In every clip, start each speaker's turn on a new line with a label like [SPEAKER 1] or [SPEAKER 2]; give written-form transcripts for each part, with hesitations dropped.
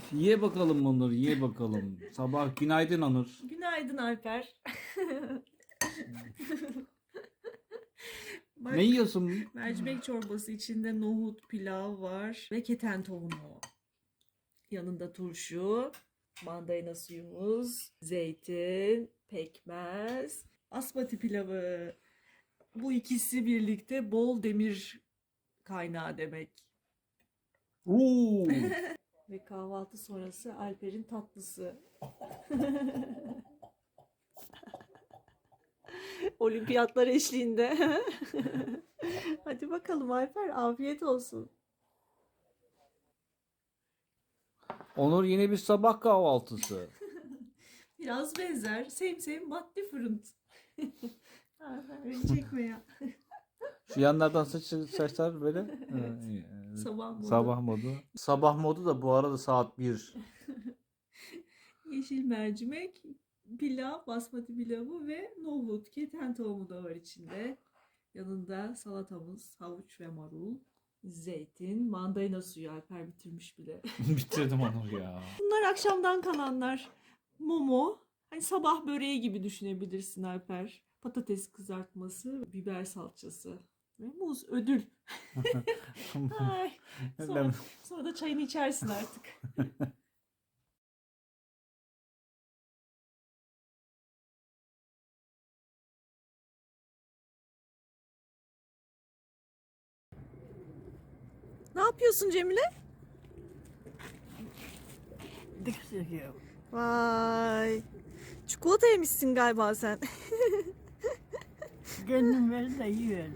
[SPEAKER 1] Ye bakalım Onur, ye bakalım. Sabah günaydın Onur.
[SPEAKER 2] Günaydın Alper. Bak,
[SPEAKER 1] Ne yiyorsun?
[SPEAKER 2] mercimek çorbası içinde nohut, pilav var ve keten tohumu. Yanında turşu, mandalina suyumuz, zeytin, pekmez, basmati pilavı. Bu ikisi birlikte bol demir kaynağı demek.
[SPEAKER 1] Oo.
[SPEAKER 2] Ve kahvaltı sonrası Alper'in tatlısı. Olimpiyatlar eşliğinde. Hadi bakalım Alper, afiyet olsun.
[SPEAKER 1] Onur yine bir sabah kahvaltısı.
[SPEAKER 2] Biraz benzer. Same but different. Beni çekme ya.
[SPEAKER 1] Şu yanlardan saçlar böyle. Ha, iyi.
[SPEAKER 2] Sabah modu.
[SPEAKER 1] Sabah modu. Sabah modu da bu arada saat 1.
[SPEAKER 2] Yeşil mercimek, pilav, basmati pilavı ve nohut. Keten tohumu da var içinde. Yanında salatamız, havuç ve marul. Zeytin, mandalina suyu. Alper bitirmiş bile.
[SPEAKER 1] Bitirdim Onur ya.
[SPEAKER 2] Bunlar akşamdan kalanlar. Momo. Hani sabah böreği gibi düşünebilirsin Alper. Patates kızartması, biber salçası. Ve muz ödül. Ay, sonra da çayını içersin artık. Ne yapıyorsun Cemile? Vay. Çikolata yemişsin galiba sen.
[SPEAKER 3] Kendim ver de yiyorum.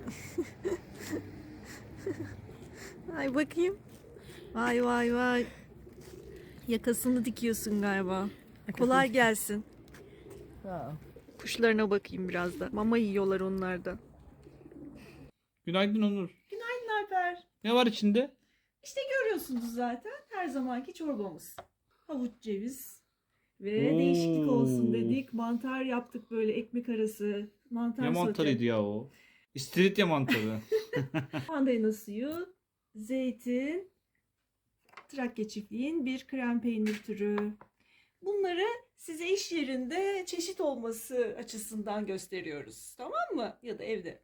[SPEAKER 2] Ay bakayım. Vay vay vay. Yakasını dikiyorsun galiba. Kolay gelsin.
[SPEAKER 3] Sağ ol.
[SPEAKER 2] Kuşlarına bakayım biraz da. Mama yiyorlar onlar da.
[SPEAKER 1] Günaydın Onur.
[SPEAKER 2] Günaydın Alper.
[SPEAKER 1] Ne var içinde?
[SPEAKER 2] İşte görüyorsunuz zaten her zamanki çorbamız. Havuç, ceviz ve
[SPEAKER 1] Oo.
[SPEAKER 2] değişiklik olsun dedik. Mantar yaptık böyle ekmek arası. Mantar
[SPEAKER 1] Ne mantarıydı ya o? İstiridye mantarı.
[SPEAKER 2] Mandalina suyu, zeytin, Trakya çiftliğin bir krem peynir türü. Bunları size iş yerinde çeşit olması açısından gösteriyoruz. Tamam mı? Ya da evde.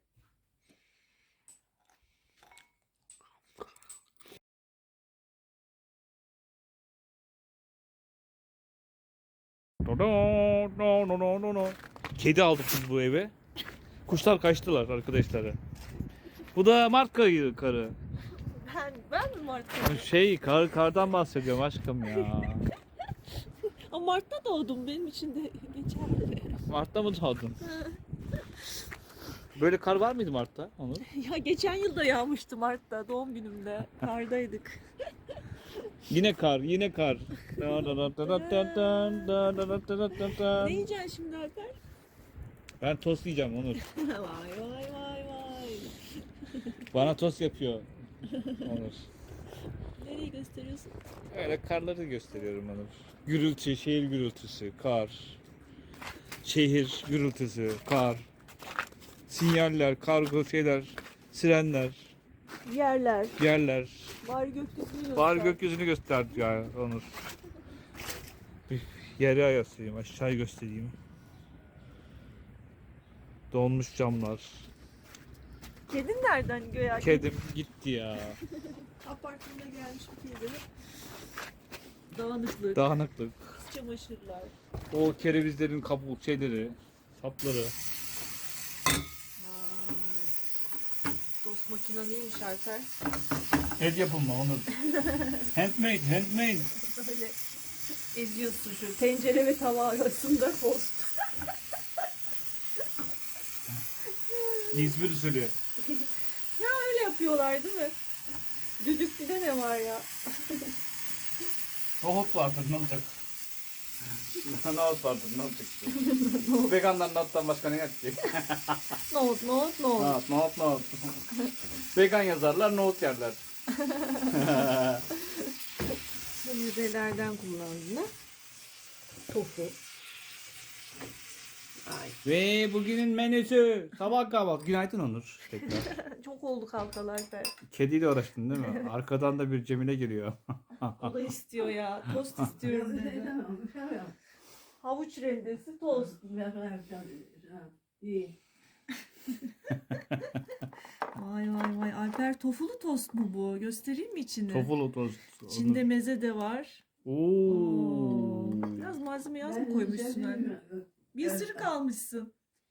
[SPEAKER 1] Kedi aldık biz bu eve. Kuşlar kaçtılar arkadaşlar. Bu da Mart karı.
[SPEAKER 2] Ben mi Mart'ta?
[SPEAKER 1] Kardan bahsediyorum aşkım ya.
[SPEAKER 2] Ama Mart'ta doğdum. Benim için de geçerli.
[SPEAKER 1] Mart'ta mı doğdun? Böyle kar var mıydı Mart'ta Onur?
[SPEAKER 2] Ya geçen yıl da yağmıştı Mart'ta. Doğum günümde. Kardaydık.
[SPEAKER 1] Yine kar, yine kar.
[SPEAKER 2] Ne yiyeceksin şimdi Alper?
[SPEAKER 1] Ben tost yiyeceğim Onur.
[SPEAKER 2] Vay vay vay vay.
[SPEAKER 1] Bana tost yapıyor Onur.
[SPEAKER 2] Nereyi gösteriyorsun?
[SPEAKER 1] Öyle karları gösteriyorum Onur. Gürültü, şehir gürültüsü, kar. Şehir gürültüsü, kar. Sinyaller, kargo şeyler, sirenler,
[SPEAKER 2] Yerler.
[SPEAKER 1] yerler.
[SPEAKER 2] Bari gökyüzünü göster.
[SPEAKER 1] Bari gökyüzünü gösterdi ya Onur. Bir yere ayasayım, aşağıyı göstereyim. Donmuş camlar.
[SPEAKER 2] Kedin nereden göğe?
[SPEAKER 1] Kedim gitti ya.
[SPEAKER 2] Apartmana gelmiş bir kedi. Dağınıklık,
[SPEAKER 1] Dağınıklık.
[SPEAKER 2] çamaşırlar.
[SPEAKER 1] O kerevizlerin kabuk şeyleri, sapları.
[SPEAKER 2] Vay. Dost makina neymiş Alper?
[SPEAKER 1] El yapımı Onur. Handmade, handmade.
[SPEAKER 2] Böyle eziyorsun şu tencere ve tava arasında post.
[SPEAKER 1] İzmir usulü.
[SPEAKER 2] Ya öyle yapıyorlar değil mi? Düdüklüde ne var ya?
[SPEAKER 1] Nohut vardır ne olacak? Nohut vardır ne olacak? Veganlar nohuttan başka ne yapacak?
[SPEAKER 2] Nohut.
[SPEAKER 1] Nohut. Vegan yazarlar nohut yerler.
[SPEAKER 2] Bu müzelerden kullandığını. Tofu. Ay.
[SPEAKER 1] Ve bugünün menüsü sabah kahvaltı. Günaydın Onur. Tekrar.
[SPEAKER 2] Çok oldu kalkalar be.
[SPEAKER 1] Kediyle uğraştın değil mi? Arkadan da bir Cemile giriyor.
[SPEAKER 2] O da istiyor ya. Tost istiyorum dedi. Havuç rendesi tost.
[SPEAKER 3] İyi.
[SPEAKER 2] Vay vay vay. Alper tofulu tost mu bu? Göstereyim mi içini?
[SPEAKER 1] Tofulu tost.
[SPEAKER 2] İçinde meze de var.
[SPEAKER 1] Oo.
[SPEAKER 2] Biraz malzeme az mı koymuşsun anne? Bir ısırık almışsın.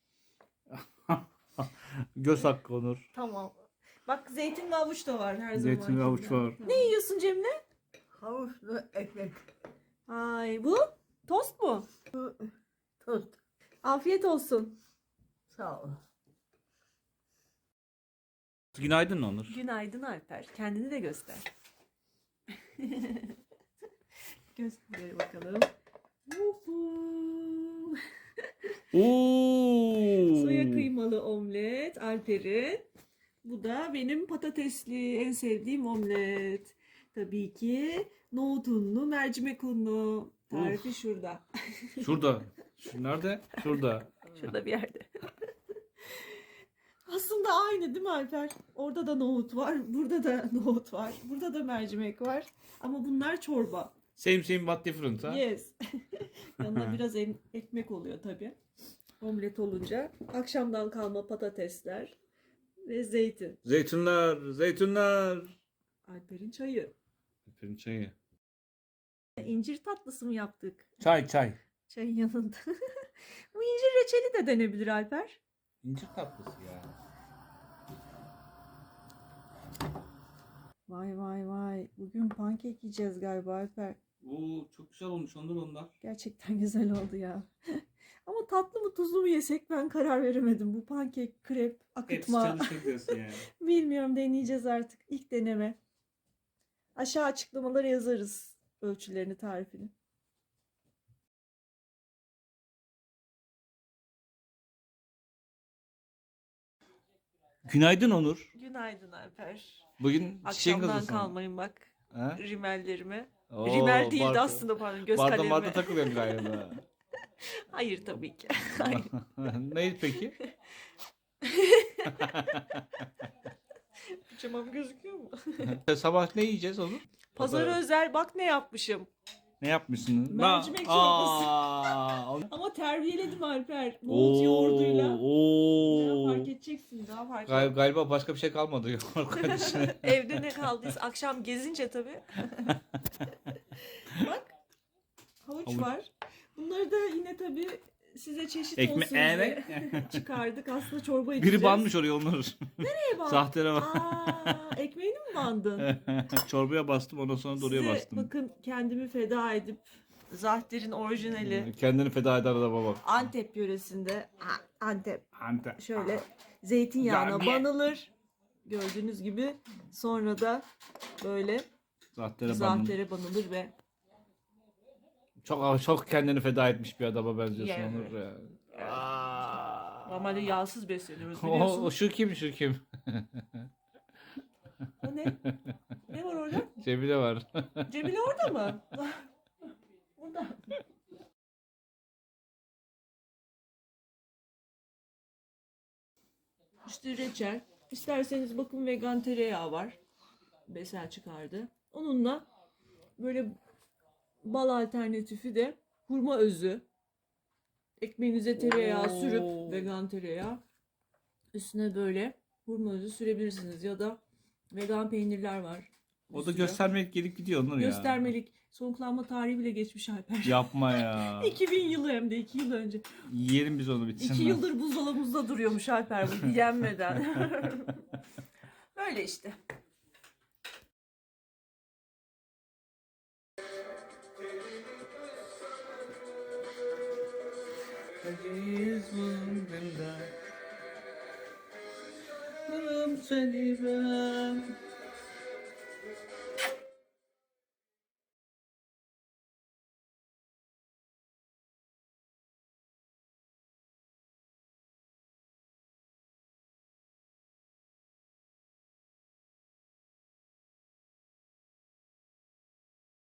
[SPEAKER 1] Göz hakkı Onur.
[SPEAKER 2] Tamam. Bak zeytin ve havuç da var her zaman.
[SPEAKER 1] Zeytin ve havuç var.
[SPEAKER 2] Ne yiyorsun Cemile?
[SPEAKER 3] Havuçlu ekmek.
[SPEAKER 2] Ay bu tost mu?
[SPEAKER 3] Tost.
[SPEAKER 2] Afiyet olsun.
[SPEAKER 3] Sağ ol.
[SPEAKER 1] Günaydın Onur.
[SPEAKER 2] Günaydın Alper. Kendini de göster. Göster bakalım. Vuhu.
[SPEAKER 1] Oo.
[SPEAKER 2] Soya kıymalı omlet Alper'in. Bu da benim patatesli en sevdiğim omlet. Tabii ki nohut unlu, mercimek unlu. Tarifi şurada.
[SPEAKER 1] Şurada. Nerede? Şurada.
[SPEAKER 2] Şurada bir yerde. Aslında aynı değil mi Alper? Orada da nohut var, burada da nohut var, burada da mercimek var. Ama bunlar çorba.
[SPEAKER 1] Same but different ha?
[SPEAKER 2] Yes. Yanına biraz ekmek oluyor tabii. Omlet olunca. Akşamdan kalma patatesler ve zeytin.
[SPEAKER 1] Zeytinler, zeytinler.
[SPEAKER 2] Alper'in çayı.
[SPEAKER 1] Aferin çayı.
[SPEAKER 2] İncir tatlısı mı yaptık?
[SPEAKER 1] Çay.
[SPEAKER 2] Çayın yanında. Bu incir reçeli de denebilir Alper.
[SPEAKER 1] İncir tatlısı ya.
[SPEAKER 2] Vay vay vay. Bugün pankek yiyeceğiz galiba Alper.
[SPEAKER 1] Oo, çok güzel olmuş onlar.
[SPEAKER 2] Gerçekten güzel oldu ya. Ama tatlı mı tuzlu mu yesek ben karar veremedim. Bu pankek, krep,
[SPEAKER 1] Hepsi
[SPEAKER 2] akıtma.
[SPEAKER 1] çalışır diyorsun yani.
[SPEAKER 2] Bilmiyorum, deneyeceğiz artık. İlk deneme. Aşağı açıklamalara yazarız ölçülerini, tarifini.
[SPEAKER 1] Günaydın Onur.
[SPEAKER 2] Günaydın Alper.
[SPEAKER 1] Bugün çiçeğin
[SPEAKER 2] Akşamdan
[SPEAKER 1] kızısın.
[SPEAKER 2] kalmayın bak
[SPEAKER 1] Ha?
[SPEAKER 2] rimellerime.
[SPEAKER 1] Oo,
[SPEAKER 2] Rimel değildi
[SPEAKER 1] barda-
[SPEAKER 2] aslında, pardon, göz
[SPEAKER 1] Barda
[SPEAKER 2] kalemime.
[SPEAKER 1] takılıyorsun galiba.
[SPEAKER 2] Hayır tabii ki. Hayır.
[SPEAKER 1] Neydi peki?
[SPEAKER 2] Pijamam gözüküyor mu?
[SPEAKER 1] Sabah ne yiyeceğiz Onur?
[SPEAKER 2] Pazara özel bak ne yapmışım.
[SPEAKER 1] Ne yapmışsın?
[SPEAKER 2] Mercimek çorbası. Ama terbiyeledim Alper. Nohut yoğurduyla. Ya fark edeceksin, daha fark edeceksin.
[SPEAKER 1] Galiba başka bir şey kalmadı.
[SPEAKER 2] Evde ne kaldıysa akşam gezince tabii. Bak havuç
[SPEAKER 1] Havuç.
[SPEAKER 2] var. Bunları da yine tabii size çeşit
[SPEAKER 1] Ekmek
[SPEAKER 2] olsun
[SPEAKER 1] evet.
[SPEAKER 2] diye çıkardık. Aslında çorba içeceğiz.
[SPEAKER 1] Biri banmış oraya Onur.
[SPEAKER 2] Nereye bak?
[SPEAKER 1] Sahtere bak.
[SPEAKER 2] Ekmeğini mi bandın?
[SPEAKER 1] Çorbaya bastım ondan sonra da oraya
[SPEAKER 2] Size
[SPEAKER 1] bastım.
[SPEAKER 2] bakın kendimi feda edip Zahter'in orijinali
[SPEAKER 1] Kendini feda eder adama bak.
[SPEAKER 2] Antep yöresinde Antep
[SPEAKER 1] Ante.
[SPEAKER 2] şöyle zeytinyağına
[SPEAKER 1] Yani.
[SPEAKER 2] banılır. Gördüğünüz gibi sonra da böyle
[SPEAKER 1] Zahtere bandım.
[SPEAKER 2] zahtere banılır ve
[SPEAKER 1] Çok kendini feda etmiş bir adama benziyorsun
[SPEAKER 2] Yeah.
[SPEAKER 1] Onur ya.
[SPEAKER 2] normalde yağsız besleniyoruz
[SPEAKER 1] O
[SPEAKER 2] biliyorsun.
[SPEAKER 1] şu kim?
[SPEAKER 2] O ne? Ne var orada?
[SPEAKER 1] Cemile var.
[SPEAKER 2] Cemile orada mı? Burada. İşte reçel. İsterseniz bakın vegan tereyağı var. Besel çıkardı. Onunla böyle bal alternatifi de hurma özü. Ekmeğinize tereyağı
[SPEAKER 1] Oo.
[SPEAKER 2] sürüp vegan tereyağı üstüne böyle hurma özü sürebilirsiniz ya da vegan peynirler var.
[SPEAKER 1] O da
[SPEAKER 2] Üstüne.
[SPEAKER 1] göstermelik gelip gidiyor Onur ya.
[SPEAKER 2] Göstermelik. Sonuklanma tarihi bile geçmiş Alper.
[SPEAKER 1] Yapma ya.
[SPEAKER 2] 2000 yılı hem de 2 yıl önce.
[SPEAKER 1] Yiyelim biz onu bitsin.
[SPEAKER 2] 2 yıldır buzdolabımızda duruyormuş Alper bu yenmeden. Böyle işte.
[SPEAKER 1] Seni ben